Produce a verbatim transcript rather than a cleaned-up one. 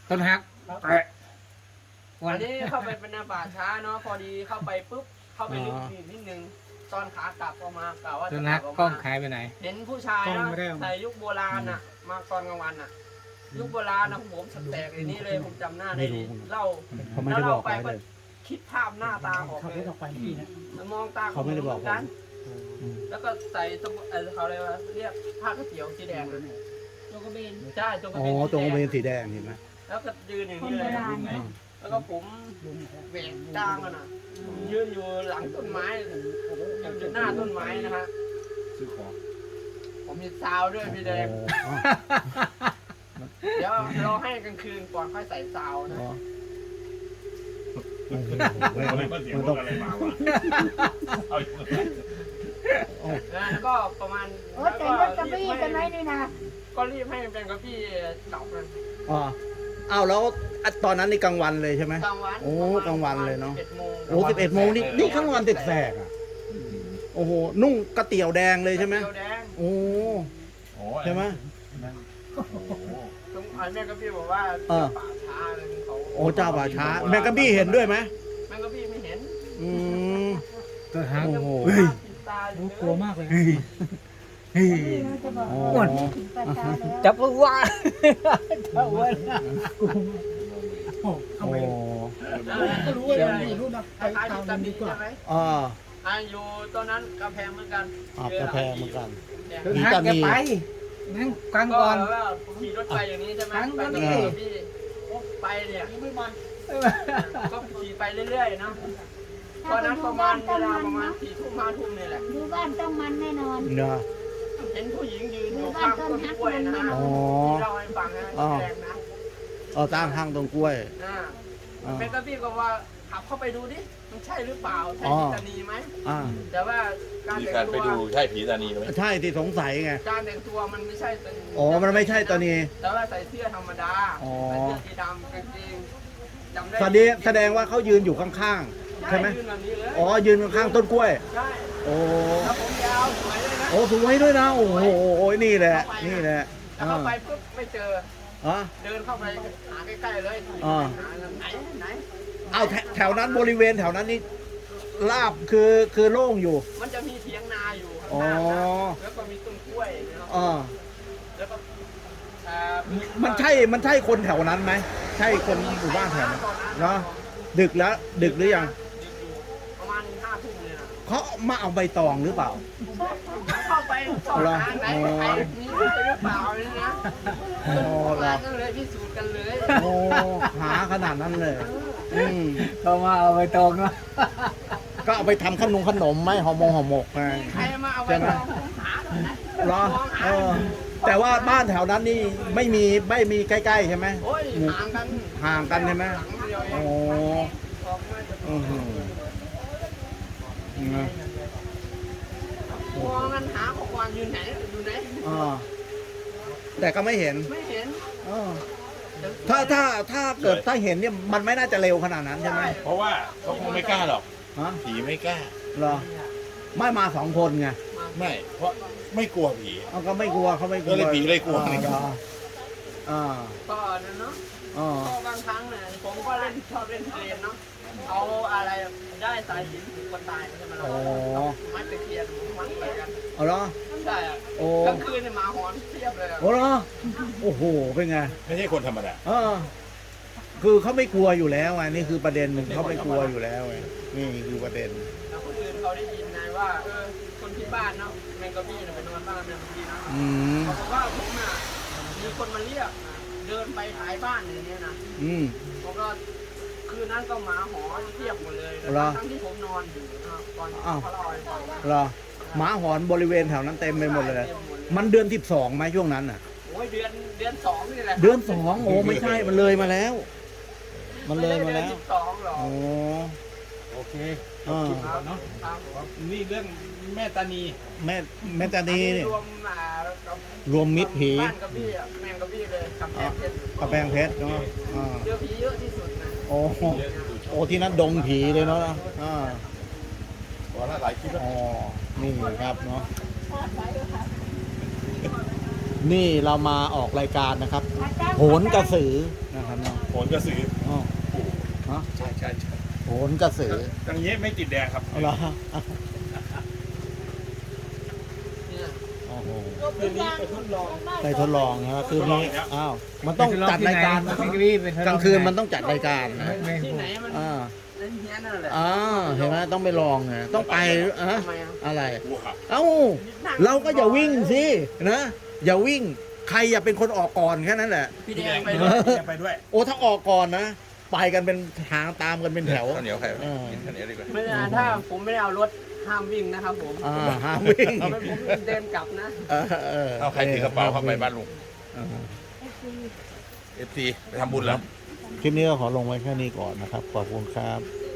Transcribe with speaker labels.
Speaker 1: ต้นฮัก
Speaker 2: วันนี้เข้าไปเป็นนาป่าช้าเนาะพอดีเข้าไปปุ๊บเข้าไปลึกนิดนึงตอนขากลับออกมากล่าวว่า
Speaker 1: ต้
Speaker 2: จะ
Speaker 1: น
Speaker 2: ก
Speaker 1: ฮั
Speaker 2: ลั
Speaker 1: ก
Speaker 2: บออก
Speaker 1: กล้อง
Speaker 2: มา
Speaker 1: หายไปไหน
Speaker 2: เห็นผู้ชายนะใส่ยุคโบราณน่ะ มาตอนกลางวันน่ะ ยุคโบราณนะผมสแตกอย่างนี้เลยผมจำหน้าได้ดีเล่า
Speaker 3: เขาไม่ได้บอก
Speaker 2: ไป
Speaker 3: ไว้เลย
Speaker 2: คิดภาพหน้าตาออกเลยมองตา
Speaker 3: เขาไม่ได้บอกผม
Speaker 2: กันแล้วก็ใส่สมุดเออเขาเรียกว่าเรียกผ้ากระเจียวสีแดงนะ
Speaker 4: โจกระเบน
Speaker 2: ใช่จงกระ
Speaker 3: อ๋อ
Speaker 2: เบน
Speaker 3: ตรงเบน
Speaker 2: สี
Speaker 3: สี
Speaker 2: แดง
Speaker 3: แดงเห็นไหม
Speaker 2: แล้วก็ยืนอย่าง
Speaker 4: คน
Speaker 2: นี้
Speaker 4: โบ
Speaker 2: เลย
Speaker 4: ราณเนาะ
Speaker 2: แล้วก็ผมแหวกกลางอะนะยืนอยู่หลังต้นไม้ยืนอยู่หน้าต้นไม้นะฮะ
Speaker 5: ซื้อของ
Speaker 2: ผมมีซาวด้วยพี่แดง
Speaker 3: อ๋อ
Speaker 2: เดี๋ยวเราให้กลางคืนก่อนค่อยใส่ซาวนะ
Speaker 3: อ๋อ
Speaker 5: อะไรก็เสียงรถอะไรมาวะเอา
Speaker 2: แล้วก็ประมาณ
Speaker 4: โอ้แต่งรถกระบี่กันไหมนี่นะ
Speaker 2: ก็รีบให้เป็นกระบี่เก่าเลย
Speaker 3: อ๋ออ้าวแล้วตอนนั้นนี่กลางวันเลยใช่ไหม
Speaker 2: กลางวัน
Speaker 3: โอ้กลางวันเลยเนอะ
Speaker 2: สิบโมง
Speaker 3: โอ้สิบเอ็ดโมงนี่นี่ข้างวันแสกๆอ่ะโอ้โหนุ่งกระเตี๋ยวแดงเลยใช่ไหม
Speaker 2: เขียวแดง
Speaker 3: โอ้
Speaker 5: โอ้
Speaker 3: ใช่ไหม
Speaker 2: ตรงไอ้แม่กระบี่บอกว่า
Speaker 3: เออ
Speaker 2: ป่าช้าอะไรของเขา
Speaker 3: โอ้เจ้าป่าช้าแมงกะบี้เห็นด้วยไหม
Speaker 2: แม่กระบี่ไม่เห็น
Speaker 3: อืม
Speaker 1: ต้นฮัก
Speaker 3: โอ้โห
Speaker 2: ปิดตาอยู่
Speaker 1: กลัวมากเลย
Speaker 4: นี่นะจะบอก
Speaker 3: อ๋อ
Speaker 4: ว่าถึงประชาแล้ว
Speaker 1: จับว่าจับว่า
Speaker 3: โอ้
Speaker 2: ก็รู้ว่ามีรูปนะคล้ายๆที่ตันดีใช่ไหม
Speaker 3: อ่า
Speaker 2: อ่าอยู่ตอนนั้นกำแพงเหมือนกัน
Speaker 3: อ่ากระแพงเหมือนกัน
Speaker 1: ต้นฮักจะไปนั่งกลาง
Speaker 2: ก็
Speaker 1: ก่อน
Speaker 2: ว่าขี่รถไปอย่างนี้ใช่ไหม
Speaker 1: ครั้ง
Speaker 2: ไป
Speaker 1: ก็
Speaker 2: กับ
Speaker 1: ดี
Speaker 2: พี่ไปเนี่ยก็ขี่ไปเรื่อยๆเนาะตอนนั้นประมาณเวลาประมาณสี่ทุ่มห้าทุ่มนี่แหละ
Speaker 4: ดูบ้านต้องมันแน่นอน
Speaker 3: เนาะ
Speaker 2: เห็นผู้หญิงยืนอยู่ข้างต้นกล้วยนะฮะ
Speaker 3: อ๋อ
Speaker 2: ที่เราให้ฟังนะแรงนะ
Speaker 3: เอาตั้งห้างตรงกล้วย
Speaker 2: นะ
Speaker 3: อ่า
Speaker 2: เป็นกระพี่ก็ว่าขับเข้าไปดูดิมันใช่หรือเปล่าใช่
Speaker 3: อ๋อ
Speaker 2: พิตานีไหม
Speaker 3: อ่า
Speaker 2: แต่ว่าการ
Speaker 5: มี
Speaker 2: แต่ง
Speaker 5: การ
Speaker 2: ตั
Speaker 5: ไป
Speaker 2: ว
Speaker 5: ดูใช่ผีตานีไหม
Speaker 3: ใช่ที่สงสัยไง
Speaker 2: การแต่งตัวมันไม่ใช่เป็น
Speaker 3: อ๋อมันไม่ใช่ตอนนี้
Speaker 2: แต่ว่าใส่เสื้อธรรมดา
Speaker 3: อ๋อ
Speaker 2: ใส่เสื้อสีดำกางเกงจำได้
Speaker 3: แสดงแสดงว่าเขายืนอยู่ข้างๆ ใช่ไหม
Speaker 2: ยืนแบบนี้เลย
Speaker 3: อ๋อยืนข้างๆต้นกล้วย
Speaker 2: ใช่
Speaker 3: โอ้
Speaker 2: แล้วผมยาวสวยเลยนะ
Speaker 3: โอ้สวยด้วยนะ โอ้โหนี่แหละ นี่แหละ
Speaker 2: แล้วเข้าไปปุ๊บไม่เจอ
Speaker 3: อ๋อ
Speaker 2: เดินเข้าไปหาใกล้ๆเลย
Speaker 3: อ่า
Speaker 2: หาไหนไหน
Speaker 3: เอาแถแถวนั้นบริเวณแถวนั้นนี่ลาบคือคือโล่งอยู่
Speaker 2: มันจะมีเถียงนาอยู่ข้าง
Speaker 3: อ๋อ
Speaker 2: หน้านะแล้วก็มีต้นกล้วยนะครับ
Speaker 3: อ๋อ
Speaker 2: แล้วก็อ่า
Speaker 3: มันใช่ มันใช่คนแถวนั้นไหม ใช่คนหมู่บ้านแถวนั้นเนาะดึกแล้ว ดึกหรือยัง
Speaker 2: ดึกอยู่ประมาณห้าทุ่มเลยนะ
Speaker 3: เขามาเอาใบตองหรือเปล่า
Speaker 2: เข้าไปสอบ
Speaker 3: เหรอ
Speaker 2: ทางไหน
Speaker 3: อ๋อ
Speaker 2: ใครมีหรือเปล่าเนี่ยนะ
Speaker 3: อ๋อเหรอ
Speaker 2: มาก็เลยพิสูจน์กันเลย
Speaker 3: โอ้หาขนาดนั้นเลย อืม
Speaker 1: เขามาเอาไปตรงเนาะ
Speaker 3: ก็เอาไปทำขนมขนมไหมห่อมงห่อหมกไง
Speaker 2: ใครมาเอาไป
Speaker 3: ใช่ไหม
Speaker 2: ลองหาหน่อยนะ
Speaker 3: เหรอ
Speaker 2: ลองหา
Speaker 3: เออแต่ว่าบ้านแถวนั้นนี่ไม่มีไม่มีใกล้ๆใช่ไหม
Speaker 2: โอ้ยห่างกัน
Speaker 3: ห่างกันใช่ไหม
Speaker 2: หลังเดียวเอ
Speaker 3: โอ้
Speaker 2: งออกมาจาก
Speaker 3: อือหือนะ
Speaker 2: มองกันหาของวางอยู่ไหนอยู่ไหน
Speaker 3: อ่าแต่ก็ไม่เห็น
Speaker 2: ไม่เห็น
Speaker 3: เออถ้าถ้าถ้าเกิดถ้าเห็นเนี่ยมันไม่น่าจะเร็วขนาดนั้นใช่ไหม
Speaker 5: เพราะว่าเขาคงไม่กล้าหรอก
Speaker 3: ฮะ
Speaker 5: ผีไม่กล้า
Speaker 3: เหรอไม่มาสองคนไง
Speaker 5: ไม่ เพราะไม่กลัวผี
Speaker 3: เอาก็ไม่กลัวเขาไม่กลัว
Speaker 5: ก็เลยผีเลยกลัว
Speaker 3: อ่าเหรออ่า
Speaker 2: ก็นั่นเนาะ
Speaker 3: อ่า
Speaker 2: ก็บางครั้งเนี่ยผมก็เล่นชอบเล่นเกมเนาะเอาอะไรได้สายสิญจนผูกคนตายใช่ไหมล่ะ
Speaker 3: อ๋อ
Speaker 2: ไม้ตะเคียนมัดไปกัน
Speaker 3: เอาเหรอ
Speaker 2: ใช่อะ
Speaker 3: โอ้
Speaker 2: กลางคืนเนี่ยหมาหอนเทียบเลยอะ
Speaker 3: โอ้เหรอโอ้โหเป็นไง
Speaker 5: ไม่ใช่คนธรรมดา
Speaker 3: เออคือเขาไม่กลัวอยู่แล้วไงนี่คือประเด็นหนึ่งเขาไม่กลัวอยู่แล้วไงนี่คือประเด็น
Speaker 2: แล้วคนอื่นเขาได้ยินไงว่าเออคนที่บ้านเนาะแมงกะบี้เนี่ยไปนอนบ้านแมงกะบี้นะ
Speaker 3: อืม
Speaker 2: เขาบอกว่าผมน่ะมีคนมาเรียกนะเดินไปขายบ้านอย่างเงี้ยนะ
Speaker 3: อืม
Speaker 2: ผมก็คืนนั้นก็หมาหอนเทียบหมดเลยนะ
Speaker 3: เหรอ
Speaker 2: ทั้งที่ผมนอนอยู่นะครับตอน
Speaker 3: อ้าว
Speaker 2: เขาเล่าให้ฟัง
Speaker 3: เหรอหมาหอนบริเวณแถวนั้นเต็มไปหมดเลย มันเดือนสิบสองไหมช่วงนั้นอ่ะ
Speaker 2: โอ้ยเดือนเดือนสองนี่แหละ
Speaker 3: เดือนสองโอ้ไม่ใช่มันเลยมาแล้ว มันเลยมาแล้ว
Speaker 2: ไได้ดือนสิบสองหรอก
Speaker 3: โอ้
Speaker 1: โอเค
Speaker 3: อ่า
Speaker 2: ครับเนาะ
Speaker 1: นี่เรื่องแม่ตานี
Speaker 3: แม่แม่ตานีนี่
Speaker 2: รวมอ่ากับ
Speaker 3: รวมมิตรผี
Speaker 2: บ้านกระบี่อะแมงกระบี่เลยกำแพงเพชร
Speaker 3: กระแพงเพชรเนาะอ่า
Speaker 2: เจอผีเยอะที่สุดนะ
Speaker 3: โอ้โอ้ที่นั่นดงผีเลยเนาะอ่า
Speaker 5: เพราะว่าหลายคลิปแล้ว
Speaker 3: อ๋อนี่ครับเนาะนี่เรามาออกรายการนะครับ โหนกระสือนะครับเนาะ
Speaker 5: โหนกระสือ
Speaker 3: อ๋อฮะ
Speaker 5: ใช่ใช่ใช่
Speaker 3: โหนกระสือ
Speaker 5: อย่างนี้ไม่ติดแดงครับ
Speaker 3: เอาเหรอ
Speaker 2: เนี่ย
Speaker 3: โอ้โห
Speaker 2: คืนนี้ไปทดลอง
Speaker 3: ไปทดลองนะคืนนี้อ้าวมันต้องจัดรายการ
Speaker 1: พี่กบี้เป็น
Speaker 3: กลางคืนมันต้องจัดรายการนะ
Speaker 2: ที่ไหนมัน
Speaker 3: อ่า
Speaker 2: เล่นเฮี้ยนนั่นแหละ
Speaker 3: อ่าเห็นไหมต้องไปลองไงต้องไปอะ
Speaker 2: ทำไมอ่ะ
Speaker 3: อะไร
Speaker 5: วัว
Speaker 3: เอ้าเราก็อย่าวิ่งสินะอย่าวิ่งใครอย่าเป็นคนออกก่อนแค่นั้นแหละ
Speaker 2: พี่
Speaker 5: พี่
Speaker 2: แด
Speaker 5: แด
Speaker 2: ง
Speaker 5: ง
Speaker 2: ไป
Speaker 5: ไป
Speaker 2: ด้
Speaker 5: ด้
Speaker 2: ว
Speaker 5: วย ยไปด้วย
Speaker 3: โอ้ถ้าออกก่อนนะไปกันเป็นทางตามกันเป็นแถว
Speaker 5: ข้าวเหนียวใคร
Speaker 3: เออ
Speaker 5: กินข้าวเหนียวดีกว่า
Speaker 2: ไม่ได้ถ้าผมไม่ได้เอารถห้ามวิ่งนะครับผม
Speaker 3: อ่าห้ามวิ่ง
Speaker 2: เอาไปผมเดินกลับนะ
Speaker 3: เออเออ
Speaker 5: เอาใครถือกระเป๋าเข้าไปบ้านลุง
Speaker 3: เออ
Speaker 5: เอฟซีไปทำบุญแล้ว
Speaker 3: คลิปนี้ก็ขอลงไว้แค่นี้ก่อนนะครับขอบคุณครับ
Speaker 2: เอ